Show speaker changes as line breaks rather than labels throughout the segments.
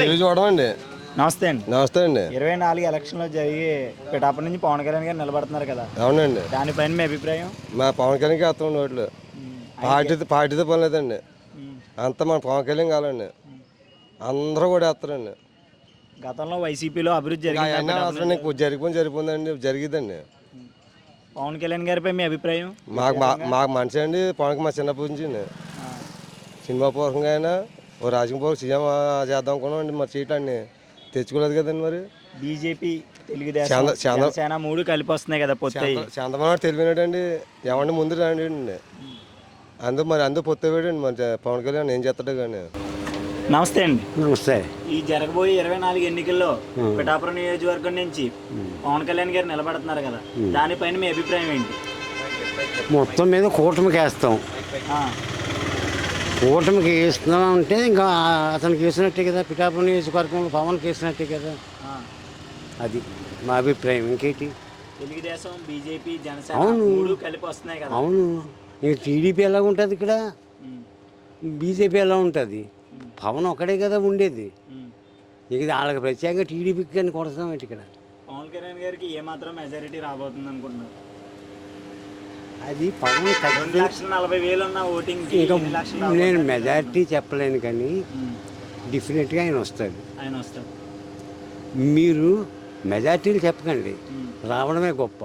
చూడమండి.
నమస్తే అండి.
నమస్తే అండి.
24 ఎలక్షన్లో జరిగి పిఠాపురం నుంచి పవన్ కళ్యాణ్ గారు నిలబడుతున్నారు కదా.
అవునండి.
దానిపైన మీ అభిప్రాయం?
మా పవన్ కళ్యాణ్కి వేస్తాం ఓట్లు. పార్టీతో పని లేదండి. అంతా మన పవన్ కళ్యాణ్ కావాలండి. అందరూ కూడా వేస్తారండి.
గతంలో వైసీపీలో అభివృద్ధి
జరిగిపోయిందండి, జరిగిద్దండి.
పవన్ కళ్యాణ్ గారిపై మీ అభిప్రాయం?
మాకు మంచి అండి. పవన్కి మా చిన్నప్పటి నుంచి సినిమా పూర్వకంగా అయినా ఓ రాజకీయ పూర్వకం సీఎం చేద్దాం అనుకున్నాం అండి. మరి సీట్లన్నీ తెచ్చుకోలేదు కదండి. మరి
బీజేపీ, తెలుగుదేశం, జనసేన మూడు కలిపి వస్తున్నాయి కదా పొత్తు.
చంద్రబాబు తెలివినాడండి. ఏమంటే ముందు రాండి అండి. అందుకు పొత్తు వేయండి. మరి పవన్ కళ్యాణ్ ఏం చేస్తాడు కానీ.
నమస్తే అండి.
నమస్తే.
ఈ జరగబోయే 24 ఎన్నికల్లో పిఠాపురం నియోజకవర్గం నుంచి పవన్ కళ్యాణ్ గారు నిలబడుతున్నారు కదా, దానిపైన మీ అభిప్రాయం ఏంటి?
మొత్తం మీద కూటమికి వేస్తాం. కూటమికి వేస్తున్నాం అంటే ఇంకా అతనికి వేసినట్టే కదా. పిఠాపురం నియోజకవర్గంలో పవన్కి వేసినట్టే కదా. అది మా అభిప్రాయం. ఇంకేంటి?
తెలుగుదేశం, బీజేపీ, జనసేన మూడు కలిపి వస్తున్నాయి కదా.
అవును. ఇక టీడీపీ ఎలా ఉంటుంది ఇక్కడ, బీజేపీ ఎలా ఉంటుంది? పవన్ ఒకడే కదా ఉండేది. ఇక వాళ్ళకి ప్రత్యేకంగా టీడీపీకి కానీ కొడతాం ఏంటి ఇక్కడ?
పవన్ కళ్యాణ్ గారికి ఏమాత్రం మెజారిటీ రాబోతుంది అనుకుంటున్నారు?
అది పవన్
2,40,000 ఉన్న ఓటింగ్.
ఇంకా నేను మెజారిటీ చెప్పలేను కానీ డెఫినెట్గా ఆయన వస్తాడు. మీరు మెజారిటీలు చెప్పకండి, రావడమే గొప్ప.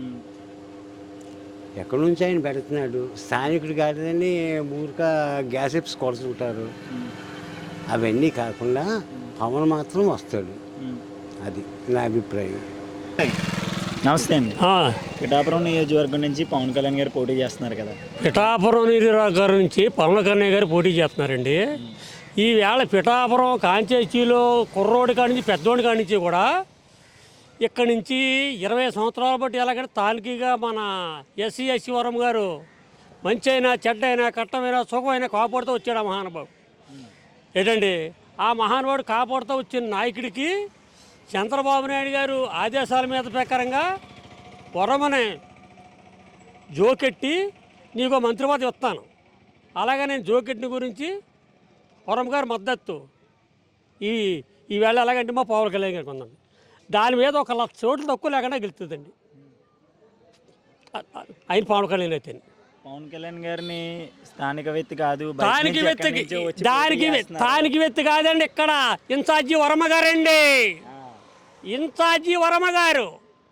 ఎక్కడి నుంచి ఆయన పెడుతున్నాడు? స్థానికుడు కాదని ఊరిక గ్యాసెప్స్ కొడుతుంటారు. అవన్నీ కాకుండా పవన్ మాత్రం వస్తాడు. అది నా అభిప్రాయం.
నమస్తే అండి. పిఠాపురం నియోజకవర్గం నుంచి పవన్ కళ్యాణ్ గారు పోటీ చేస్తున్నారు కదా.
పిఠాపురం నియోజకవర్గం నుంచి పవన్ కళ్యాణ్ గారు పోటీ చేస్తున్నారండి. ఈవేళ పిఠాపురం కాంచేచీలో కుర్రోడి కాడి నుంచి పెద్దోడి కాడి నుంచి కూడా ఇక్కడి నుంచి 20 సంవత్సరాల బట్టి ఎలాగంటే తాలూకీగా మన ఎస్సీ వరం గారు మంచి అయినా చెడ్డైనా కట్టమైనా సుఖమైనా కాపాడుతూ వచ్చాడు ఆ మహానుభావుడు. ఏంటండి, ఆ మహానుభావుడు కాపాడుతూ వచ్చిన నాయకుడికి చంద్రబాబు నాయుడు గారు ఆదేశాల మీద ప్రకారంగా వరమనే జోకెట్టి నీకు మంత్రి పదవి ఇస్తాను, అలాగే నేను జోకెట్ని గురించి వరం గారు మద్దతు ఈవేళ ఎలాగంటే మా పవన్ కళ్యాణ్ గారికి ఉందండి. దాని మీద 1,00,000 ఓట్లు తక్కువ లేకుండా గెలుస్తుందండి ఆయన పవన్ కళ్యాణ్ అయితే.
పవన్ కళ్యాణ్ గారిని స్థానిక వ్యక్తి కాదు,
స్థానిక వ్యక్తి కాదండి. ఇక్కడ ఇన్ఛార్జి వర్మ గారండి. ఇన్ఛార్జి వర్మ గారు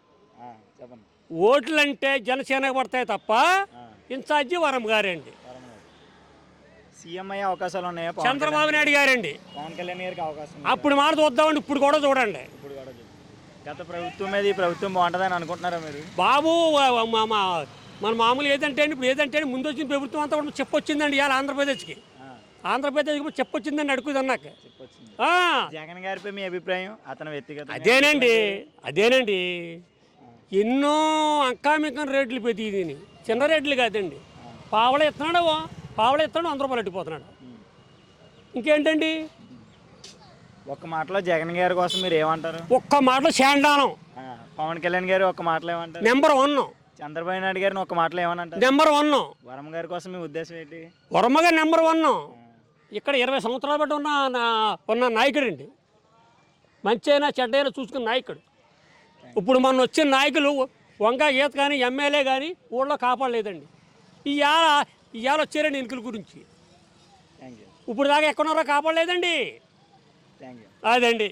ఓట్లంటే జనసేనకు పడతాయి తప్ప ఇన్ఛార్జి వర్మ గారండి.
సీఎం అయ్యే అవకాశాలు ఉన్నాయా?
చంద్రబాబు నాయుడు గారండి.
పవన్ కళ్యాణ్ గారికి అవకాశం
అప్పుడు మాట చూద్దామండి, ఇప్పుడు కూడా చూడండి.
గత ప్రభుత్వం మీద ఈ ప్రభుత్వం బాగుంటుందని అనుకుంటున్నారా మీరు?
బాబు మన మామూలు ఏదంటే ఇప్పుడు ఏదంటే ముందు వచ్చిన ప్రభుత్వం అంతా కూడా చెప్పొచ్చిందండి. ఇవాళ ఆంధ్రప్రదేశ్కి చెప్పొచ్చిందండి. అడుగుదన్నాక
జగన్ గారిపై మీ అభిప్రాయం? అతను వ్యక్తిగత
అదేనండి ఎన్నో అంకామికం రేట్లు పెరిగి చిన్న రేట్లు కాదండి. పావళ ఎత్తున్నాడు 100 రూపాయలు ఎట్టిపోతున్నాడు. ఇంకేంటండి?
ఒక్క మాటలో జగన్ గారి కోసం మీరు ఏమంటారు?
ఒక్క మాటలో శాండానం.
పవన్ కళ్యాణ్ గారు ఒక్క మాటలో ఏమంటారు?
నెంబర్ 1.
చంద్రబాబు నాయుడు గారిని ఒక మాటలో ఏమనంటారు?
నెంబర్ 1.
వర్మ గారి కోసం మీ ఉద్దేశం ఏంటి?
వర్మ గారు నెంబర్ 1. ఇక్కడ 20 సంవత్సరాల బట్టి ఉన్న నాయకుడు అండి. మంచి అయినా చెడ్డైనా చూసుకున్న నాయకుడు. ఇప్పుడు మొన్న వచ్చిన నాయకులు వంగ ఈత కానీ ఎమ్మెల్యే కానీ ఊళ్ళో కాపాడలేదండి. ఇవాళ వచ్చారండి ఎన్నికల గురించి. ఇప్పుడు దాకా ఎక్కడున్నారో కాపాడలేదండి. అదండి.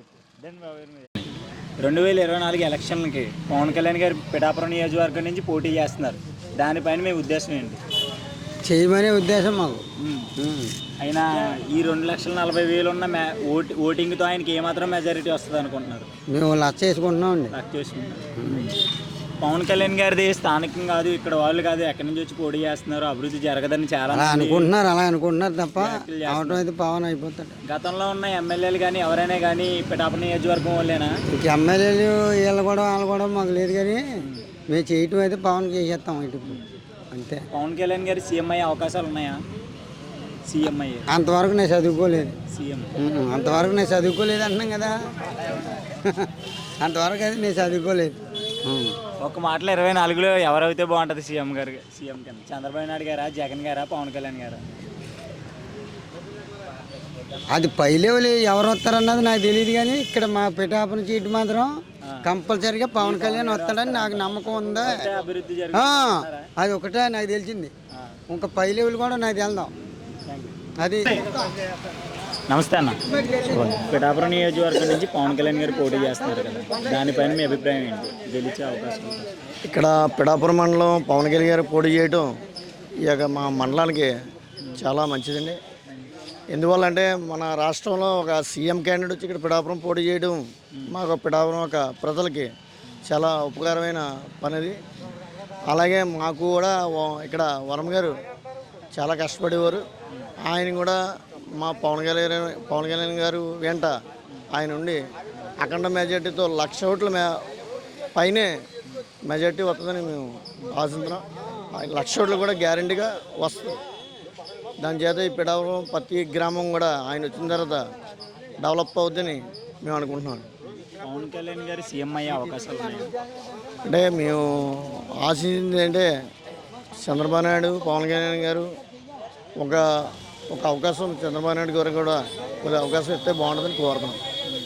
2024 ఎలక్షన్లకి పవన్ కళ్యాణ్ గారు పిఠాపురం నియోజకవర్గం నుంచి పోటీ చేస్తున్నారు. దానిపైన మీ ఉద్దేశం ఏంటి?
చేయమనే ఉద్దేశం మాకు.
అయినా ఈ 2,40,000 ఉన్న ఓటింగ్తో ఆయనకి ఏమాత్రం మెజారిటీ వస్తుంది అనుకుంటున్నారు?
మేము 1,00,000 వేసుకుంటున్నామండి.
పవన్ కళ్యాణ్ గారిది స్థానికం కాదు, ఇక్కడ వాళ్ళు కాదు, ఎక్కడి నుంచి వచ్చి పోటీ చేస్తున్నారు, అభివృద్ధి జరగదని చాలా
అలా అనుకుంటున్నారు తప్ప అవటం అయితే పవన్ అయిపోతాడు.
గతంలో ఉన్న ఎమ్మెల్యేలు కానీ ఎవరైనా కానీ పిఠాపురం నియోజకవర్గం వాళ్ళేనా?
ఇక ఎమ్మెల్యేలు వాళ్ళు కూడా మాకు లేదు, కానీ మేము చేయటం అయితే పవన్ చేసేస్తాం ఇటు అంతే.
పవన్ కళ్యాణ్ గారి సీఎం అయ్యే అవకాశాలు ఉన్నాయా? సీఎం అయ్యే
అంతవరకు నేను చదువుకోలేదు.
అంతవరకు
నేను చదువుకోలేదు అంటున్నాం కదా. అంతవరకు అయితే నేను చదువుకోలేదు.
ఒక మాటలో 24లో ఎవరైతే బాగుంటుంది సీఎం కింద? చంద్రబాబు నాయుడు గారా, జగన్ గారా, పవన్ కళ్యాణ్ గారా?
అది పై లెవెల్ ఎవరు వస్తారన్నది నాకు తెలియదు, కానీ ఇక్కడ మా పిఠాపురం సీటు మాత్రం కంపల్సరీగా పవన్ కళ్యాణ్ వస్తాడని నాకు నమ్మకం ఉందా.
అభివృద్ధి
అది ఒకటే నాకు తెలిసింది, ఇంకా పై లెవెల్ కూడా నాకు వెళ్దాం. అది
నమస్తే అన్న. పిఠాపురం నియోజకవర్గం నుంచి పవన్ కళ్యాణ్ గారు పోటీ చేస్తున్నారు కదా, దానిపైన మీ అభిప్రాయం ఏంటి? గెలిచే అవకాశం ఉందా?
ఇక్కడ పిఠాపురం మండలం పవన్ కళ్యాణ్ గారు పోటీ చేయడం ఈ యొక్క మా మండలానికి చాలా మంచిదండి. ఎందువల్లంటే మన రాష్ట్రంలో ఒక సీఎం క్యాండిడేట్ వచ్చి ఇక్కడ పిఠాపురం పోటీ చేయడం మాకు పిఠాపురం ఒక ప్రజలకి చాలా ఉపకారమైన పనిది. అలాగే మాకు కూడా ఇక్కడ వరం గారు చాలా కష్టపడేవారు. ఆయన కూడా మా పవన్ కళ్యాణ్ గారు వెంట ఆయన ఉండి అఖండ మెజార్టీతో 1,00,000 ఓట్ల పైనే మెజార్టీ వస్తుందని మేము ఆశిస్తున్నాం. 1,00,000 ఓట్లు కూడా గ్యారంటీగా వస్తుంది. దాని చేత ఈ పిఠాపురం ప్రతి గ్రామం కూడా ఆయన వచ్చిన తర్వాత డెవలప్ అవుతుందని మేము అనుకుంటున్నాం.
పవన్ కళ్యాణ్ గారు సీఎం అయ్యే అవకాశాలు ఉన్నాయి.
అంటే మేము ఆశించింది అంటే చంద్రబాబు నాయుడు పవన్ కళ్యాణ్ గారు ఒక అవకాశం చంద్రబాబు నాయుడు గారు కూడా కొద్దిగా అవకాశం ఇస్తే బాగుంటుందని కోరుతున్నాం.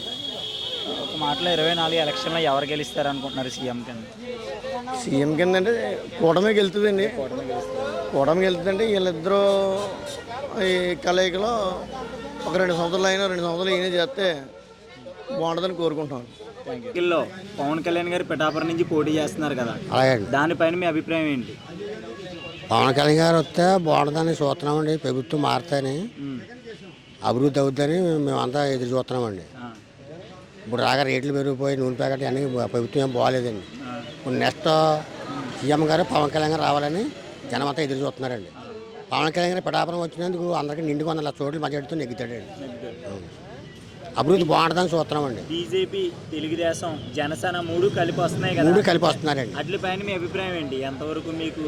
ఒక మాటలో 24 ఎలక్షన్లో ఎవరు గెలుస్తారు అనుకుంటున్నారు సీఎం కింద?
సీఎం కింద అంటే కూటమి గెలుతుందండి. కూటమి గెలుతుందంటే వీళ్ళిద్దరూ ఈ కలయికలో ఒక 2 సంవత్సరాలు అయినా 2 సంవత్సరాలు ఈయన చేస్తే బాగుంటుందని కోరుకుంటున్నాను.
ఎన్నికల్లో పవన్ కళ్యాణ్ గారు పిఠాపురం నుంచి పోటీ చేస్తున్నారు కదా, దానిపైన మీ అభిప్రాయం ఏంటి?
పవన్ కళ్యాణ్ గారు వస్తే బాగుంటుందని చూస్తున్నామండి. ప్రభుత్వం మారుతాయని, అభివృద్ధి అవుద్దని మేమంతా ఎదురు చూస్తున్నామండి. ఇప్పుడు రాగా రేట్లు పెరిగిపోయి నూనె ప్యాకెట్ అన్నీ ప్రభుత్వం ఏం బాగాలేదండి. ఇప్పుడు నెక్స్ట్ సీఎం గారు పవన్ కళ్యాణ్ గారు రావాలని జనం అంతా ఎదురు చూస్తున్నారండి. పవన్ కళ్యాణ్ గారు పిఠాపురం వచ్చినందుకు అందరికీ నిండుగా 1,00,000 ఓట్ల మెజార్టీతో నెగ్గుతాడండి. అభివృద్ధి బాగుంటుందని చూస్తున్నామండి.
బీజేపీ, తెలుగుదేశం, జనసేన 3 కలిపి వస్తున్నాయి కదా,
3 కలిపి వస్తున్నారండి.
వాటిపైన మీ అభిప్రాయం ఏంటి? ఎంతవరకు మీకు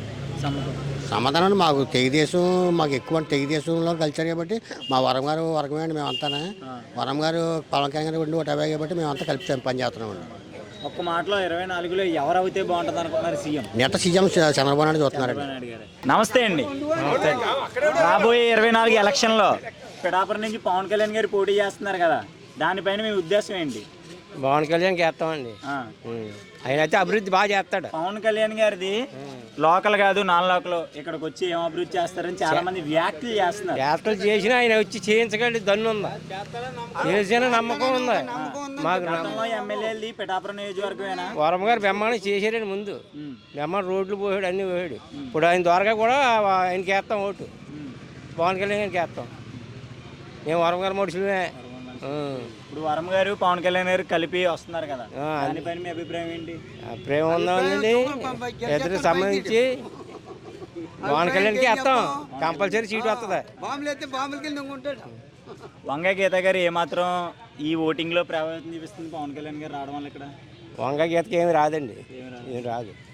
సమాధానం మాకు తెలుగుదేశం మాకు ఎక్కువ తెలుగుదేశంలో కలిసారు కాబట్టి మా వరం గారు వర్గమే అండి. మేమంతా వరం గారు పవన్ కళ్యాణ్ గారు 150 కాబట్టి మేమంతా కలిపి పనిచేస్తున్నామండి.
ఒక్క మాటలో 24లో ఎవరు అయితే బాగుంటుంది అనుకుంటున్నారు CM?
Next CM Chandrababu Naidu చూస్తున్నారండి.
నమస్తే అండి. రాబోయే 24 ఎలక్షన్లో పిఠాపురం నుంచి పవన్ కళ్యాణ్ గారు పోటీ చేస్తున్నారు కదా, దానిపైన మీ ఉద్దేశం ఏంటి?
పవన్ కళ్యాణ్ చేస్తామండి. ఆయన అయితే అభివృద్ధి బాగా చేస్తాడు.
పవన్ కళ్యాణ్ గారిది లోకల్ కాదు, నాన్ లోకల్, ఇక్కడికి వచ్చి ఏం అభివృద్ధి చేస్తారని చాలా మంది వ్యాఖ్యలు చేస్తున్నారు.
వ్యాఖ్యలు చేసినా ఆయన వచ్చి చేయించగలి దన్ను ఉందా, చేసిన నమ్మకం ఉందా మాకు?
ఎమ్మెల్యేది పిఠాపురం నియోజకవర్గమేనా?
వరం గారు బెమ్మాని చేసాడండి. ముందు బెమ్మాని రోడ్లు పోయాడు, అన్నీ పోయాడు. ఇప్పుడు ఆయన ద్వారా కూడా ఆయనకి వేస్తాం ఓటు, పవన్ కళ్యాణ్ గారికి వేస్తాం. మేము వరం గారు మనుషులమే.
ఇప్పుడు వరం గారు పవన్ కళ్యాణ్ గారు కలిపి వస్తున్నారు కదా, దానిపైన మీ అభిప్రాయం ఏంటి?
ప్రేమ ఉందండి. ఇద్దరికి సంబంధించి పవన్ కళ్యాణ్కి వేస్తాం, కంపల్సరీ సీటు వస్తుంది.
వంగ గీత గారు ఏమాత్రం ఈ ఓటింగ్లో ప్రభావితం చూపిస్తుంది పవన్ కళ్యాణ్ గారు రావడం వల్ల? ఇక్కడ
వంగ గీతకి ఏమి రాదండి, ఏం రాదు.